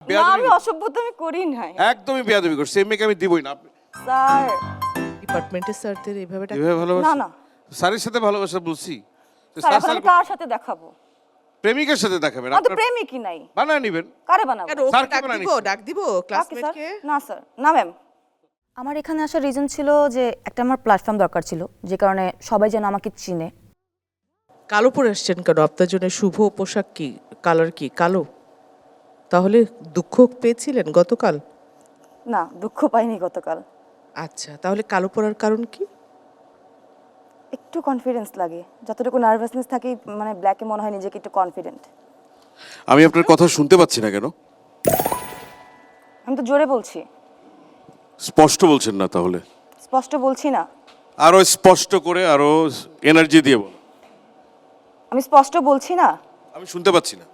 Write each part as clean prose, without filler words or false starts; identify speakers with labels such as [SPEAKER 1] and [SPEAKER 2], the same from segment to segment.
[SPEAKER 1] না আমি অসভ্যতামি করি নাই
[SPEAKER 2] একদমই বেয়াদবি করছি, এই মেয়েকে আমি দিবই না।
[SPEAKER 1] স্যার
[SPEAKER 3] ডিপার্টমেন্টের স্যারদের এইভাবে
[SPEAKER 2] এভাবে
[SPEAKER 1] না
[SPEAKER 2] ভালোবাসা?
[SPEAKER 1] না
[SPEAKER 2] স্যারের সাথে ভালোবাসা বলছি তো
[SPEAKER 1] স্যার
[SPEAKER 2] স্যার
[SPEAKER 1] এখন আমি কার সাথে দেখাবো?
[SPEAKER 2] প্রেমিকের সাথে দেখাবেন,
[SPEAKER 1] আমার তো
[SPEAKER 2] আপনার
[SPEAKER 1] প্রেমিকই নাই,
[SPEAKER 2] বানায় নিবেন।
[SPEAKER 1] কারে বানাবো?
[SPEAKER 3] কেন ওকে
[SPEAKER 2] স্যারকে
[SPEAKER 3] ডাক
[SPEAKER 2] বানায়
[SPEAKER 3] দিব
[SPEAKER 2] নিচ্ছি।
[SPEAKER 3] ডাক দিব
[SPEAKER 1] কাকে স্যার?
[SPEAKER 3] ক্লাসমেটকে?
[SPEAKER 1] না স্যার, না ম্যাম। আমার এখানে আসার রিজন ছিল যে একটা আমার প্ল্যাটফর্ম দরকার ছিল, যে কারণে সবাই যেন আমাকে চিনে।
[SPEAKER 3] কালো পরে আসছেন কেন? আপনার জন্য শুভ পোশাক কি কালার কি কালো? তাহলে দুঃখ পেয়েছিলেন গতকাল?
[SPEAKER 1] না দুঃখ পাইনি গতকাল।
[SPEAKER 3] আচ্ছা, তাহলে কালো পরার কারণ কি?
[SPEAKER 1] একটু কনফিডেন্স লাগে, যতটুকু নার্ভাসনেস থাকে মানে ব্ল্যাকে মনে হয় নিজেকে একটু কনফিডেন্ট।
[SPEAKER 2] আমি আপনার কথা শুনতে পাচ্ছি না কেন?
[SPEAKER 1] আমি তো জোরে বলছি।
[SPEAKER 2] স্পষ্ট বলছেন না তাহলে?
[SPEAKER 1] স্পষ্ট বলছি না।
[SPEAKER 2] আরো স্পষ্ট করে, আরো এনার্জি দিয়ে বল।
[SPEAKER 1] আমি স্পষ্ট বলছি না।
[SPEAKER 2] আমি শুনতে পাচ্ছি না।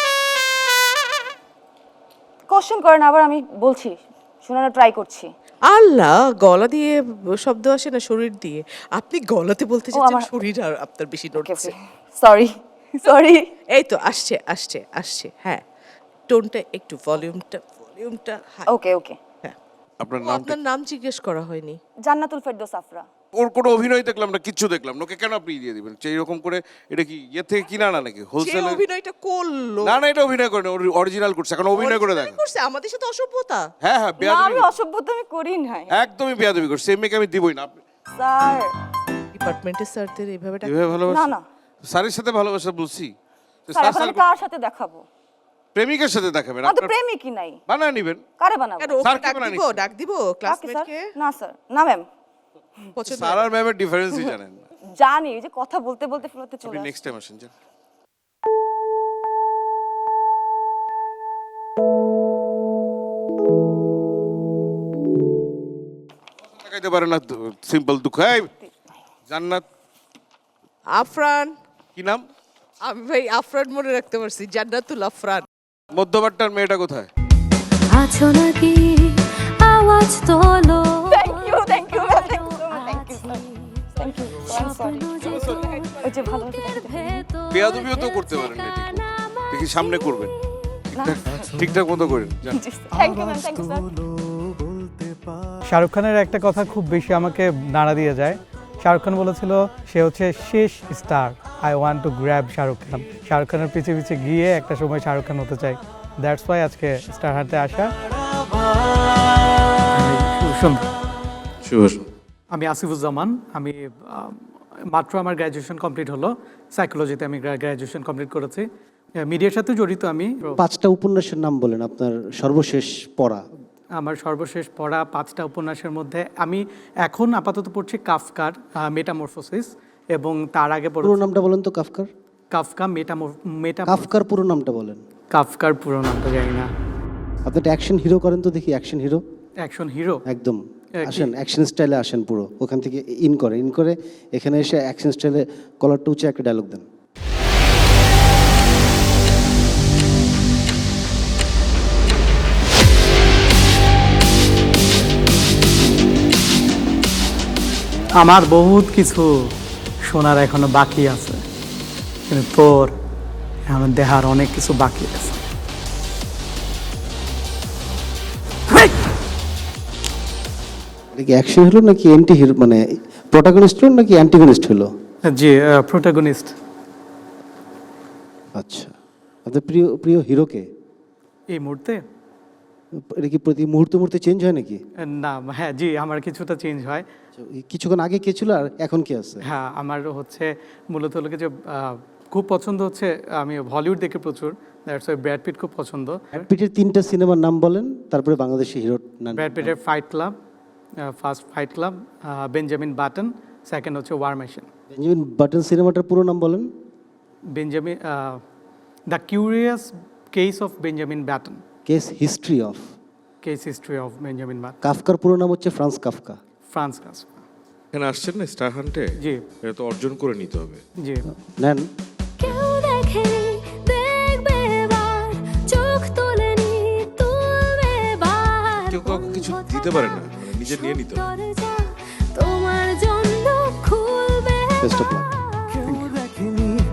[SPEAKER 1] কোশ্চেন করেন আবার, আমি বলছি, শোনানোর ট্রাই করছি।
[SPEAKER 3] আল্লাহ, গলা দিয়ে শব্দ আসে না শরীর দিয়ে? আপনি গলাতে বলতে চাচ্ছেন,
[SPEAKER 1] আমার-
[SPEAKER 3] শরীর আর আপনার বেশি নড়ছে।
[SPEAKER 1] Sorry sorry.
[SPEAKER 3] এই তো আসছে আসছে আসছে, হ্যাঁ। টোনটা একটু ভলিউমটা হাই।
[SPEAKER 1] ওকে ওকে।
[SPEAKER 3] হ্যাঁ।
[SPEAKER 2] আপনার
[SPEAKER 3] ও,
[SPEAKER 2] নামটা?
[SPEAKER 3] আপনার নাম জিজ্ঞেস করা হয়নি।
[SPEAKER 1] জান্নাতুল ফেরদৌস আফরা।
[SPEAKER 2] ওর কোনো অভিনয় দেখলাম না, কিচ্ছু দেখলাম না, ওকে কেন আপনি দিয়ে দিবেন সেই রকম করে? এটা কি ইয়ে থেকে কিনা না নাকি
[SPEAKER 3] যে
[SPEAKER 2] হোলসেল?
[SPEAKER 3] অভিনয়টা করলো,
[SPEAKER 2] না না, এটা অভিনয় করে না, অরিজিনাল করছে। এখন অভিনয় করে দেখেন।
[SPEAKER 3] করছে আমাদের সাথে অসভ্যতা।
[SPEAKER 2] হ্যাঁ হ্যাঁ,
[SPEAKER 1] না
[SPEAKER 2] বেয়াদবি,
[SPEAKER 1] আমি অসভ্যতামি করি নাই।
[SPEAKER 2] একদমই বেয়াদবি করছে, এই মেয়েকে আমি দিবই না।
[SPEAKER 1] স্যার
[SPEAKER 3] ডিপার্টমেন্টের স্যারদের এইভাবে
[SPEAKER 2] এভাবে
[SPEAKER 1] না
[SPEAKER 2] ভালোবাসা?
[SPEAKER 1] না
[SPEAKER 2] স্যারের সাথে ভালোবাসা বলছি তো
[SPEAKER 1] স্যার
[SPEAKER 2] স্যার
[SPEAKER 1] এখন আমি কার সাথে দেখাবো?
[SPEAKER 2] প্রেমিকের সাথে দেখাবেন,
[SPEAKER 1] আমার তো
[SPEAKER 2] আপনার
[SPEAKER 1] প্রেমিকই নাই,
[SPEAKER 2] বানায় নিবেন।
[SPEAKER 1] কারে বানাবো?
[SPEAKER 3] কেন ওকে
[SPEAKER 2] স্যারকে
[SPEAKER 3] ডাক
[SPEAKER 2] বানায়
[SPEAKER 3] দিব
[SPEAKER 2] নিচ্ছি।
[SPEAKER 3] ডাক দিব
[SPEAKER 1] কাকে স্যার?
[SPEAKER 3] ক্লাসমেটকে?
[SPEAKER 1] না স্যার, না ম্যাম।
[SPEAKER 3] পছন্দ
[SPEAKER 2] স্যার আর ম্যামের ডিফারেন্সই জানেন না।
[SPEAKER 1] জানি যে কথা বলতে বলতে ফ্লোতে চলে
[SPEAKER 2] আপনি
[SPEAKER 1] আসে।
[SPEAKER 2] নেক্সট টাইম আসেন যান। দেখাইতে পারে না, সিম্পল দুঃখ। এই জান্নাত,
[SPEAKER 3] আফরান।
[SPEAKER 2] কি নাম?
[SPEAKER 3] আমি ভাই আফরান মনে রাখতে পারছি, জান্নাতুল আফরান।
[SPEAKER 2] মধ্যবারটার মেয়েটা কোথায়?
[SPEAKER 4] আছো নাকি আওয়াজ তোলো
[SPEAKER 1] thank you ma'am, thank you thank you. ওই যে ভালো
[SPEAKER 2] বেয়াদবিও তো করতে পারেন না, ঠিক মতো। দেখি সামনে করবেন, ঠিকঠাক মতো করেন যান।
[SPEAKER 1] Thank you ma'am, thank you sir.
[SPEAKER 5] Shahrukh খানের একটা কথা খুব বেশি আমাকে নাড়া দিয়ে যায়। শাহরুখ খান বলেছিল সে হচ্ছে শেষ star, I want to grab Shahrukh Khan. Shahrukh খানের পিছে পিছে গিয়ে একটা সময় শাহরুখ খান হতে চাই। দ্যাটস ওয়াই আজকে স্টার হান্টে আসা। আমি আসিফুজ্জামান। আমি মাত্র আমার গ্র্যাজুয়েশন কমপ্লিট হলো, সাইকোলজিতে আমি গ্র্যাজুয়েশন কমপ্লিট করেছি। মিডিয়ার সাথে জড়িত আমি।
[SPEAKER 6] 5টা উপন্যাসের নাম বলেন আপনার সর্বশেষ পড়া।
[SPEAKER 5] আমার সর্বশেষ পড়া 5টা উপন্যাসের মধ্যে আমি এখন আপাতত পড়ছি কাফকার মেটামরফোসিস, এবং তার আগে
[SPEAKER 6] পুরো নামটা বলেন তো কাফকার।
[SPEAKER 5] কাফকা
[SPEAKER 6] কাফকার পুরো নামটা বলেন।
[SPEAKER 5] কাফকার পুরো নামটা জানি না।
[SPEAKER 6] আপনি একটা অ্যাকশন হিরো করেন তো দেখি, অ্যাকশন হিরো।
[SPEAKER 5] অ্যাকশন হিরো
[SPEAKER 6] একদম আসেন, অ্যাকশন স্টাইলে আসেন পুরো। ওখান থেকে ইন করে এখানে এসে অ্যাকশন স্টাইলে কলারটা উঁচে একটা ডায়লগ দেন।
[SPEAKER 5] আমার বহুত কিছু শোনার এখনো বাকি আছে, কিন্তু তোর এখন দেখার অনেক কিছু বাকি আছে।
[SPEAKER 6] এটা কি অ্যাকশন হিরো নাকি অ্যান্টি হিরো, মানে প্রোটাগনিস্ট হলো নাকি অ্যান্টিগনিস্ট হলো?
[SPEAKER 5] জি, প্রোটাগনিস্ট।
[SPEAKER 6] আচ্ছা, আপনার প্রিয় প্রিয় হিরোকে?
[SPEAKER 5] এই মুহূর্তে
[SPEAKER 6] এটা কি প্রতি মুহূর্তে চেঞ্জ হয় নাকি?
[SPEAKER 5] না, হ্যাঁ জি, আমার কিছুটা চেঞ্জ হয়।
[SPEAKER 6] কিছুক্ষণ আগে কে ছিল আর এখন কে আছে?
[SPEAKER 5] হ্যাঁ, আমার হচ্ছে মূলত হলো কি যে খুব পছন্দ হচ্ছে, আমি হলিউড দেখি প্রচুর, দ্যাটস ওয়াই ব্র্যাড পিট খুব পছন্দ।
[SPEAKER 6] ব্র্যাড পিটের 3টা সিনেমার নাম বলেন, তারপরে বাংলাদেশি হিরোর নাম।
[SPEAKER 5] ব্র্যাড পিটের fight club, first fight club, Benjamin Button, second হচ্ছে ওয়ার মেশিন।
[SPEAKER 6] বেঞ্জামিন বাটন সিনেমাটার পুরো নাম বলেন।
[SPEAKER 5] Benjamin the curious case of Benjamin Button,
[SPEAKER 6] case history of.
[SPEAKER 5] Case history of Benjamin Button.
[SPEAKER 6] কাফকার পুরো নাম হচ্ছে ফ্রান্স কাফকা।
[SPEAKER 5] France Kafka.
[SPEAKER 2] এখানে আসছেন না স্টার হান্টে,
[SPEAKER 5] জি
[SPEAKER 2] এটা তো অর্জন করে নিতে হবে।
[SPEAKER 5] জি।
[SPEAKER 6] নেন।
[SPEAKER 4] কেউ দেখে দেখবে এবার চোখ তোলেনি তুলবে এবার
[SPEAKER 2] কেউ কাউকে কিছু দিতে পারে না, মানে নিজে নিয়ে নিতে হবে।
[SPEAKER 4] দরজা তোমার জন্য খুলবে
[SPEAKER 6] বেস্ট অফ লাক।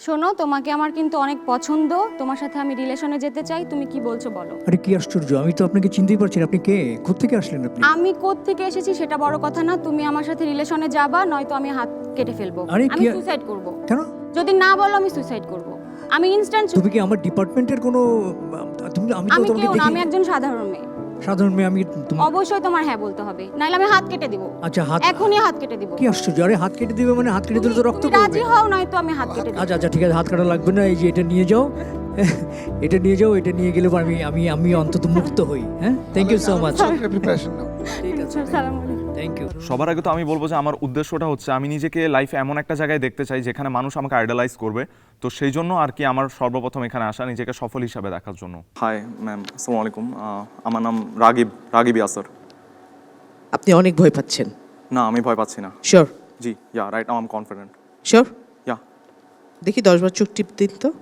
[SPEAKER 7] শোনো, তোমাকে আমার কিন্তু অনেক পছন্দ, তোমার সাথে আমি রিলেশনে যেতে চাই, তুমি কি বলছো বলো।
[SPEAKER 8] আরে কি আশ্চর্য, আমি তো আপনাকে চিনতেই পারছি না। আপনি কে, কোত্থেকে আসলেন আপনি?
[SPEAKER 7] আমি কোত্থেকে এসেছি সেটা বড় কথা না, তুমি আমার সাথে রিলেশনে যাবা, নয়তো আমি হাত কেটে ফেলবো।
[SPEAKER 8] আরে
[SPEAKER 7] আমি
[SPEAKER 8] কি-
[SPEAKER 7] সুইসাইড করব।
[SPEAKER 8] কেন?
[SPEAKER 7] যদি না বলো আমি সুইসাইড করব। আমি ইনস্ট্যান্ট।
[SPEAKER 8] তুমি কি আমার ডিপার্টমেন্টের কোনো আমি তো
[SPEAKER 7] আমি
[SPEAKER 8] তোমাকে
[SPEAKER 7] কেউ না, আমি
[SPEAKER 8] দেখি
[SPEAKER 7] একজন সাধারণ মেয়ে।
[SPEAKER 8] সাধারণ মেয়ে। আমি
[SPEAKER 7] অবশ্যই তোমার হ্যাঁ বলতে হবে, নাইলে আমি হাত কেটে দিব।
[SPEAKER 8] আচ্ছা, হাত
[SPEAKER 7] এখনই হাত কেটে দিব।
[SPEAKER 8] কি আশ্চর্য, আরে হাত কেটে দিবে মানে হাত কেটে দিলে তো রক্ত
[SPEAKER 7] তুমি
[SPEAKER 8] পড়বে।
[SPEAKER 7] রাজি হও, নয়তো আমি হাত কেটে দিব।
[SPEAKER 8] আচ্ছা আচ্ছা ঠিক আছে, হাত কাটা লাগবে না। এই যে এটা নিয়ে যাও, এটা নিয়ে যাও, এটা নিয়ে গেলে আমি আমি আমি অন্তত মুক্ত হই। হ্যাঁ, thank you so much.
[SPEAKER 2] Preparation নাও।
[SPEAKER 8] ঠিক আছে,
[SPEAKER 7] আসসালামু আলাইকুম।
[SPEAKER 8] Thank you.
[SPEAKER 9] সবার আগে তো আমি বলবো যে আমার উদ্দেশ্যটা হচ্ছে আমি নিজেকে লাইফে এমন একটা জায়গায় দেখতে চাই যেখানে মানুষ আমাকে আইডালাইজ করবে। তো সেই জন্য আর কি আমার সর্বপ্রথম এখানে আসা, নিজেকে সফল হিসাবে দেখার জন্য। হাই ম্যাম, আসসালামু আলাইকুম। আমার নাম রাগিব ইয়াসার।
[SPEAKER 3] আপনি অনেক ভয় পাচ্ছেন।
[SPEAKER 9] না, আমি ভয় পাচ্ছি না।
[SPEAKER 3] শিওর?
[SPEAKER 9] জি, yeah right now I am confident.
[SPEAKER 3] Sure?
[SPEAKER 9] Yeah.
[SPEAKER 3] দেখি 10 বার চোখ টিপ দিন তো।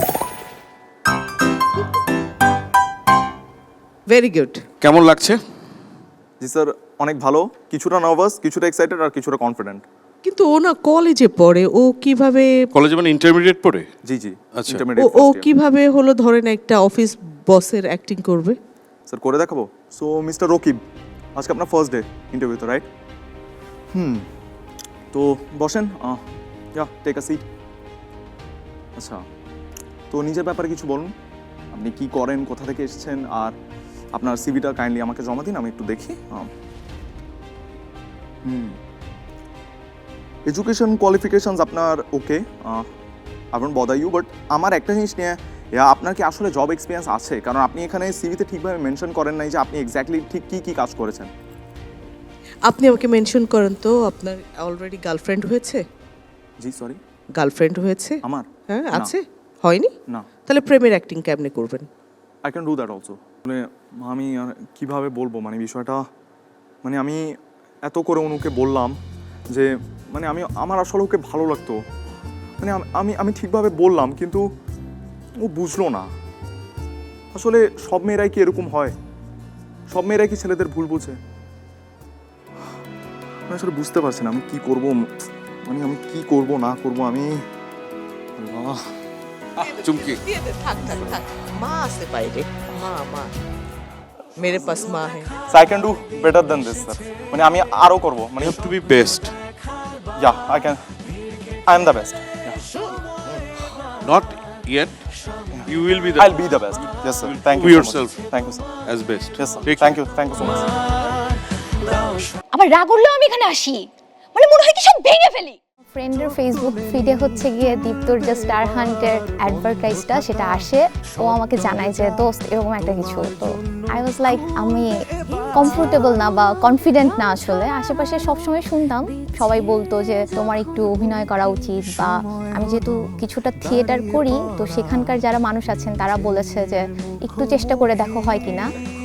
[SPEAKER 3] Very good.
[SPEAKER 2] কেমন লাগছে?
[SPEAKER 9] জি স্যার, অনেক ভালো, কিছুটা নার্ভাস, কিছুটা এক্সাইটেড আর কিছুটা কনফিডেন্ট।
[SPEAKER 3] কিন্তু ও না কলেজে পড়ে, ও কিভাবে
[SPEAKER 2] কলেজে মানে ইন্টারমিডিয়েট পড়ে?
[SPEAKER 9] জি জি,
[SPEAKER 2] আচ্ছা।
[SPEAKER 3] ও
[SPEAKER 9] ইন্টারমিডিয়েট
[SPEAKER 3] ও কিভাবে হলো ধরেন একটা অফিস বসের অ্যাক্টিং করবে?
[SPEAKER 9] স্যার করে দেখাবো। সো মিস্টার রকিব, আজকে আপনার ফার্স্ট ডে ইন্টারভিউতে, রাইট? তো বসেন, ইয়া টেক আ সিট। আচ্ছা, তো নিজের ব্যাপারে কিছু বলুন, আপনি কি করেন, কোথা থেকে এসেছেন, আর আপনার সিভিটা কাইন্ডলি আমাকে জমা দিন, আমি একটু দেখি। এডুকেশন কোয়ালিফিকেশনস আপনার okay, I don't bother you, but আমার একটা জিনিস নিয়ে, আপনার কি আসলে জব এক্সপিরিয়েন্স আছে? কারণ আপনি এখানে সিভিতে ঠিকভাবে মেনশন করেন নাই যে আপনি এক্স্যাক্টলি ঠিক কী কাজ করেছেন।
[SPEAKER 3] আপনি আমাকে মেনশন করেন তো, আপনার অলরেডি গার্লফ্রেন্ড হয়েছে?
[SPEAKER 9] জি সরি,
[SPEAKER 3] গার্লফ্রেন্ড হয়েছে?
[SPEAKER 9] আমার?
[SPEAKER 3] হ্যাঁ
[SPEAKER 9] না।
[SPEAKER 3] আছে। হয়নি?
[SPEAKER 9] না।
[SPEAKER 3] তাহলে প্রেমের অ্যাক্টিং কেমনে করবেন?
[SPEAKER 9] I can do that also. মানে আমি আর কীভাবে বলবো, মানে বিষয়টা, মানে আমি এত করে অনুকে বললাম যে মানে আমার আসলে ওকে ভালো লাগতো, মানে আমি ঠিকভাবে বললাম, কিন্তু ও বুঝলো না। আসলে সব মেয়েরাই কি এরকম হয়? সব মেয়েরাই কি ছেলেদের ভুল বুঝে? আমি আসলে বুঝতে পারছি না আমি কি করব, মানে আমি কি করব না করব। আমি
[SPEAKER 2] চুমকি
[SPEAKER 3] থাক থাক থাক, মা আছে বাইরে, মা মেরে পাস মা হ্যাঁ।
[SPEAKER 9] I can do better than this sir, মানে আমি আরও করবো, মানে
[SPEAKER 2] to be best,
[SPEAKER 9] yeah I am the best,
[SPEAKER 2] not yet, you will be the
[SPEAKER 9] I'll be the best. Yes, sir. Thank you.
[SPEAKER 2] Be
[SPEAKER 9] so
[SPEAKER 2] yourself.
[SPEAKER 9] much. Thank you, sir.
[SPEAKER 2] as best.
[SPEAKER 9] Yes, sir.
[SPEAKER 2] Take
[SPEAKER 9] Thank you. Thank you so much.
[SPEAKER 1] আমার রাগ উঠলেও আমি এখানে আসি, মানে মনে হয় কি সব ভেঙে ফেলি।
[SPEAKER 10] ফ্রেন্ডের ফেসবুক ফিডে হচ্ছে গিয়ে দীপ্তর যে স্টার হান্টের অ্যাডভার্টাইজটা সেটা আসে, ও আমাকে জানায় যে দোস্ত এরকম একটা কিছু। তো আই ওয়াজ লাইক আমি কমফোর্টেবল না বা কনফিডেন্ট না আসলে। আশেপাশে সবসময় শুনতাম সবাই বলতো যে তোমার একটু অভিনয় করা উচিত, বা আমি যেহেতু কিছুটা থিয়েটার করি তো সেখানকার যারা মানুষ আছেন তারা বলেছে যে একটু চেষ্টা করে দেখো হয় কিনা।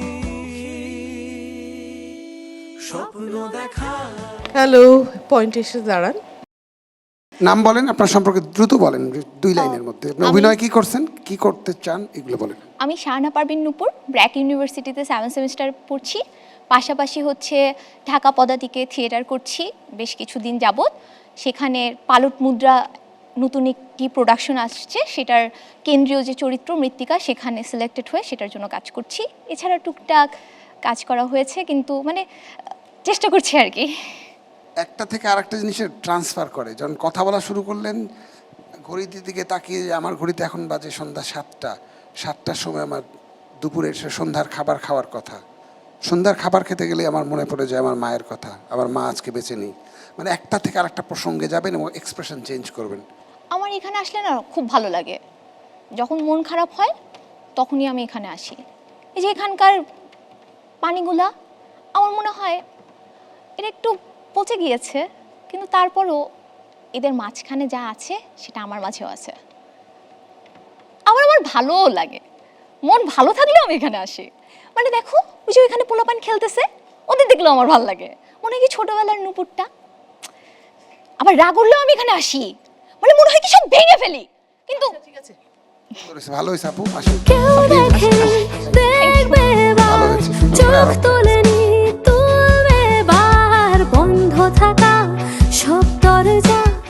[SPEAKER 3] হ্যালো, পয়েন্টে এসে দাঁড়ান।
[SPEAKER 11] নাম বলেন, আপনার সম্পর্কে দ্রুত বলেন, 2 লাইনের মধ্যে। আপনি অভিনয় কি করছেন, কি করতে চান, এগুলো বলেন।
[SPEAKER 10] আমি শাহানা পারভিন নূপুর, ব্র্যাক ইউনিভার্সিটিতে 7 সেমিস্টার পড়ছি, পাশাপাশি হচ্ছে ঢাকা পদাতিকে থিয়েটার করছি বেশ কিছুদিন যাবৎ। সেখানে পালট মুদ্রা নতুন একটি প্রোডাকশন আসছে, সেটার কেন্দ্রীয় যে চরিত্র মৃত্তিকা সেখানে সিলেক্টেড হয়ে সেটার জন্য কাজ করছি। এছাড়া টুকটাক কাজ করা হয়েছে, কিন্তু মানে চেষ্টা করছি আর কি।
[SPEAKER 11] একটা থেকে আরেকটা জিনিসের ট্রান্সফার করে, যখন কথা বলা শুরু করলেন ঘড়ির দিকে তাকিয়ে, আমার ঘড়িতে এখন বাজে সন্ধ্যা 7টার সময় আমার দুপুরে এসে সন্ধ্যার খাবার খাওয়ার কথা। সন্ধ্যার খাবার খেতে গেলে আমার মনে পড়ে যায় আমার মায়ের কথা, আমার মা আজকে বেঁচে নেই। মানে একটা থেকে আরেকটা প্রসঙ্গে যাবেন এবং এক্সপ্রেশন চেঞ্জ করবেন।
[SPEAKER 10] আমার এখানে আসলে না খুব ভালো লাগে, যখন মন খারাপ হয় তখনই আমি এখানে আসি। এই যে এখানকার পানিগুলা আমার মনে হয় এটা একটু পচে গিয়েছে, কিন্তু তারপরও এদের মাঝখানে যা আছে সেটা আমার মাঝেও আছে। আমার ভালোও লাগে, মন ভালো থাকলেও আমি এখানে আসি। মানে দেখো ওই যে ওইখানে পোলাপান খেলতেছে, ওদের দেখলেও আমার ভালো লাগে, মনে হয় কি ছোটবেলার নূপুরটা। আবার রাগ উঠলেও আমি এখানে আসি, মানে মনে হয় কি সব ভেঙে ফেলি, কিন্তু
[SPEAKER 3] ঠিক আছে,
[SPEAKER 11] ভালো হয়েছে আপু, আসুন।
[SPEAKER 4] কেউ দেখে দেখবে এবার, চোখ তোলেনি তুমি এবার, বন্ধ থাকা সব দরজা।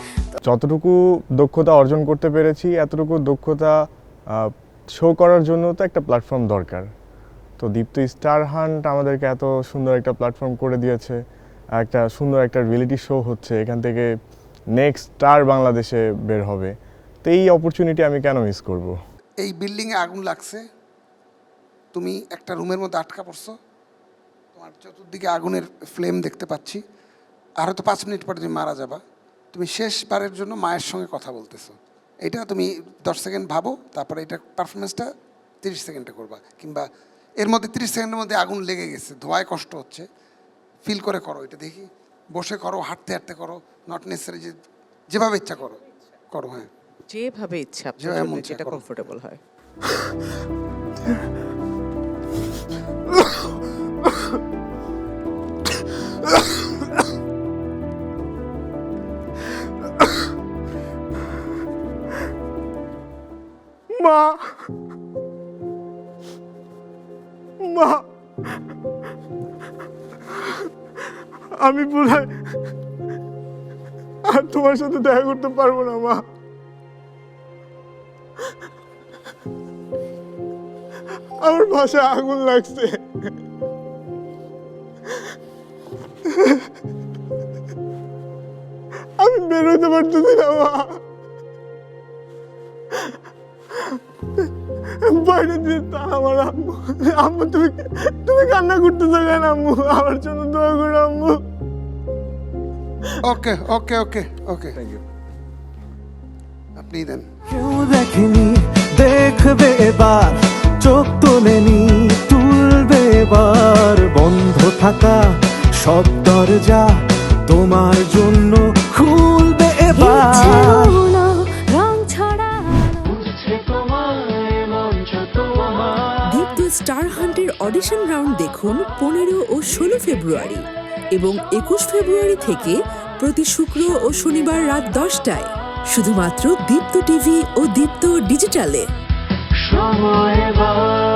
[SPEAKER 9] যতটুকু দক্ষতা অর্জন করতে পেরেছি এতটুকু দক্ষতা শো করার জন্য তো একটা প্ল্যাটফর্ম দরকার। তো দীপ্ত স্টার হান্ট আমাদেরকে এত সুন্দর একটা প্ল্যাটফর্ম করে দিয়েছে, একটা সুন্দর একটা রিয়েলিটি শো হচ্ছে, এখান থেকে নেক্সট স্টার বাংলাদেশে বের হবে। তো এই অপরচুনিটি আমি কেন মিস করব?
[SPEAKER 11] এই বিল্ডিংয়ে আগুন লাগছে, তুমি একটা রুমের মধ্যে আটকা পড়ছো, তোমার চতুর্দিকে আগুনের ফ্লেম দেখতে পাচ্ছি, আর হয়তো 5 মিনিট পরে তুমি মারা যাবা। তুমি শেষবারের জন্য মায়ের সঙ্গে কথা বলতেছো, এটা তুমি 10 সেকেন্ড ভাবো, তারপরে এটা পারফরমেন্সটা 30 সেকেন্ডে করবা, কিংবা এর মধ্যে 30 সেকেন্ডের মধ্যে আগুন লেগে গেছে, ধোঁয়ায় কষ্ট হচ্ছে, ফিল করে করো এটা দেখি, বসে করো, হাঁটতে হাঁটতে করো, নট নেসেসারি যে যেভাবে ইচ্ছা করো করো। হ্যাঁ,
[SPEAKER 3] যেভাবে ইচ্ছা আপনার
[SPEAKER 11] যেভাবে
[SPEAKER 3] জন্য
[SPEAKER 11] মন চায়
[SPEAKER 3] যেটা
[SPEAKER 11] করো।
[SPEAKER 3] কমফোর্টেবল হয়।
[SPEAKER 9] মা, মা, আমি বোধহয় আর তোমার সাথে দেখা করতে পারবো না মা। আমার বাসায় আগুন লাগছে, আমি বেরোতে পারতেছি না মা। বাইরে দিয়ে আমার আম্মু, আম্মু তুমি কান্না করতেছো কেন আম্মু? আমার জন্য দোয়া করো আম্মু।
[SPEAKER 11] Okay okay okay okay, thank you. আপনি দেন।
[SPEAKER 12] কেউ দেখেনি, দেখবে এবার, চোখ তোলেনি, তুলবে এবার, বন্ধ থাকা সব দরজা তোমার জন্য খুলবে এবার।
[SPEAKER 13] দীপ্ত স্টার হান্টের অডিশন রাউন্ড দেখুন 15 ও 16 ফেব্রুয়ারি এবং 21 ফেব্রুয়ারি থেকে প্রতি শুক্র ও শনিবার রাত 10টায় শুধুমাত্র দীপ্ত টিভি ও দীপ্ত ডিজিটালে।
[SPEAKER 12] সময়